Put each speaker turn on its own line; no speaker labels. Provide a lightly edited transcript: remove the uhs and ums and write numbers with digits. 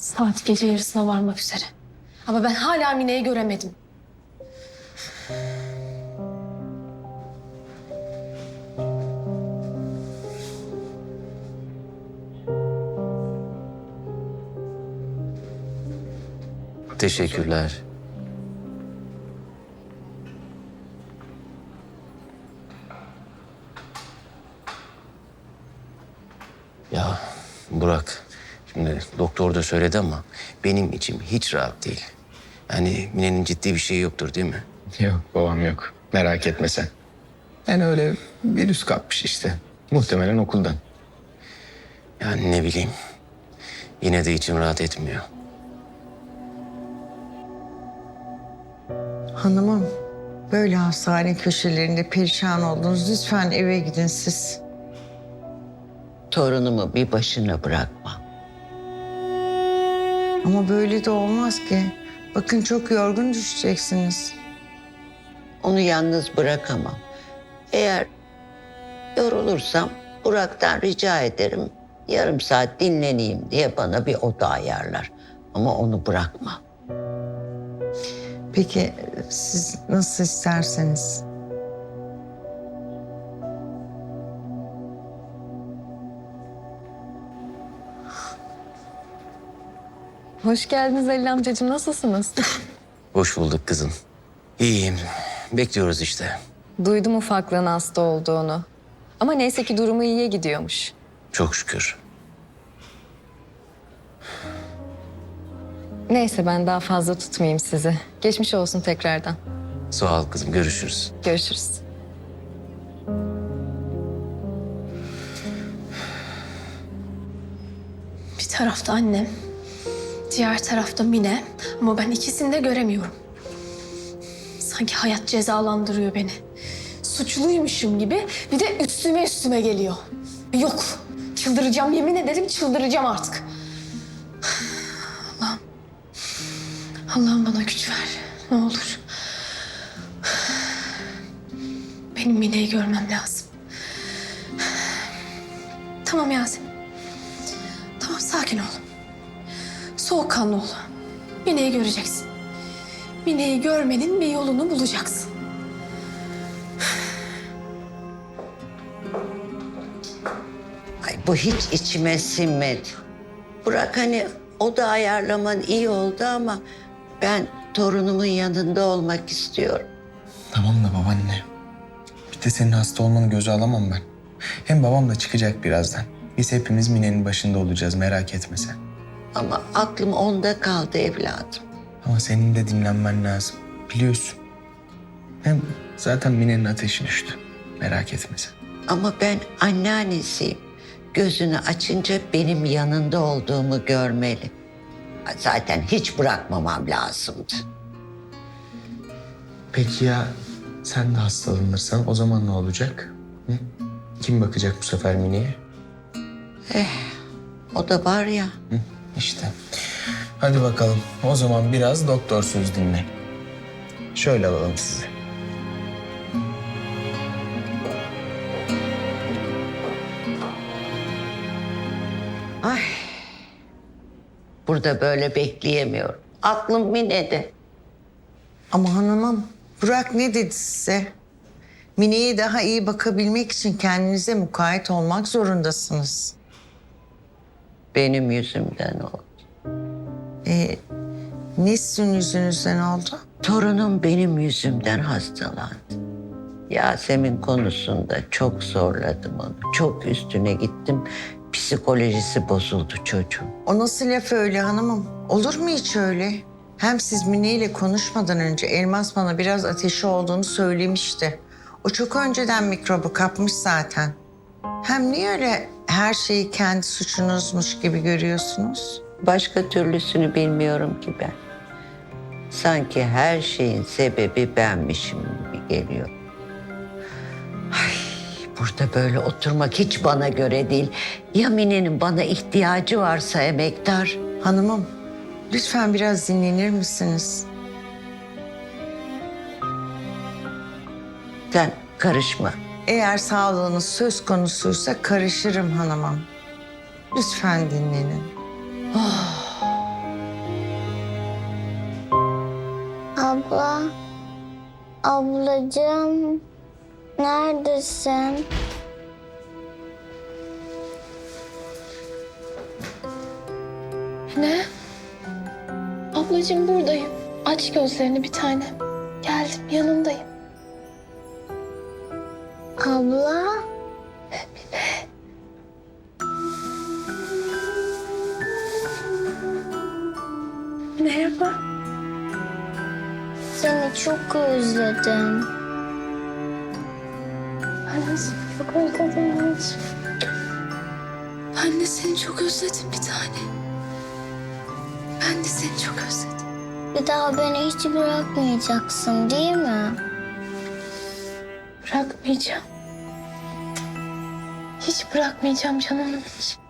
Saat gece yarısına varmak üzere. Ama ben hala Mine'yi göremedim.
Teşekkürler. Ya Burak, şimdi doktor da söyledi ama benim içim hiç rahat değil. Yani Mine'nin ciddi bir şeyi yoktur değil mi?
Yok babam yok. Merak etme sen. Yani öyle virüs kapmış işte. Muhtemelen okuldan.
Yani ne bileyim. Yine de içim rahat etmiyor.
Hanımım, böyle hastane köşelerinde perişan oldunuz. Lütfen eve gidin siz.
Torunumu bir başına bırakma.
Ama böyle de olmaz ki. Bakın çok yorgun düşeceksiniz.
Onu yalnız bırakamam. Eğer yorulursam Burak'tan rica ederim. Yarım saat dinleneyim diye bana bir oda ayarlar. Ama onu bırakma.
Peki siz nasıl isterseniz.
Hoş geldiniz Halil amcacığım. Nasılsınız?
Hoş bulduk kızım. İyiyim. Bekliyoruz işte.
Duydum ufaklığın hasta olduğunu. Ama neyse ki durumu iyiye gidiyormuş.
Çok şükür.
Neyse ben daha fazla tutmayayım sizi. Geçmiş olsun tekrardan.
Sağ ol kızım. Görüşürüz.
Görüşürüz.
Bir tarafta annem, diğer tarafta Mine. Ama ben ikisini de göremiyorum. Sanki hayat cezalandırıyor beni. Suçluymuşum gibi bir de üstüme geliyor. Yok, çıldıracağım, yemin ederim çıldıracağım artık. Allah'ım, Allah'ım bana güç ver, ne olur. Benim Mine'yi görmem lazım. Tamam Yasemin. Tamam, sakin ol. Soğukkanlı ol. Mine'yi göreceksin. Mine'yi görmenin bir yolunu bulacaksın.
Ay bu hiç içime sinmedi. Burak hani oda ayarlaman iyi oldu ama ben torunumun yanında olmak istiyorum.
Tamam da babaanne. Bir de senin hasta olmanı göze alamam ben. Hem babam da çıkacak birazdan. Biz hepimiz Mine'nin başında olacağız, merak etme sen.
Ama aklım onda kaldı evladım.
Ama senin de dinlenmen lazım. Biliyorsun. Hem zaten Mine'nin ateşi düştü. Merak etme sen.
Ama ben anneannesiyim. Gözünü açınca benim yanında olduğumu görmeli. Zaten hiç bırakmamam lazımdı.
Peki ya sen de hastalanırsan o zaman ne olacak? Hı? Kim bakacak bu sefer Mine'ye?
O da var ya.
Hı? İşte. Hadi bakalım. O zaman biraz doktor söz dinle. Şöyle alalım sizi.
Ay. Burada böyle bekleyemiyorum. Aklım Mine'de.
Ama hanımım, Burak ne dedi size? Mine'ye daha iyi bakabilmek için kendinize mukayyet olmak zorundasınız.
Benim yüzümden oldu.
Ne sizin yüzünüzden oldu?
Torunum benim yüzümden hastalandı. Yasemin konusunda çok zorladım onu. Çok üstüne gittim. Psikolojisi bozuldu çocuğun.
O nasıl laf öyle hanımım? Olur mu hiç öyle? Hem siz Mine ile konuşmadan önce Elmas bana biraz ateşi olduğunu söylemişti. O çok önceden mikrobu kapmış zaten. Hem niye öyle her şeyi kendi suçunuzmuş gibi görüyorsunuz?
Başka türlüsünü bilmiyorum ki ben. Sanki her şeyin sebebi benmişim gibi geliyor. Ay, burada böyle oturmak hiç bana göre değil. Ya Mine'nin bana ihtiyacı varsa emektar.
Hanımım, lütfen biraz dinlenir misiniz?
Sen karışma.
Eğer sağlığınız söz konusuysa karışırım hanımım. Lütfen dinlenin.
Abla, ablacığım, neredesin?
Ne? Ablacığım buradayım. Aç gözlerini bir tane. Geldim yanındayım.
Abla,
Merhaba.
seni çok özledim.
Ben de seni çok özledim anneciğim. Ben de seni çok özledim bir tane. Ben de seni çok özledim.
Bir daha beni hiç bırakmayacaksın değil mi?
Bırakmayacağım. Hiç bırakmayacağım canımın içi.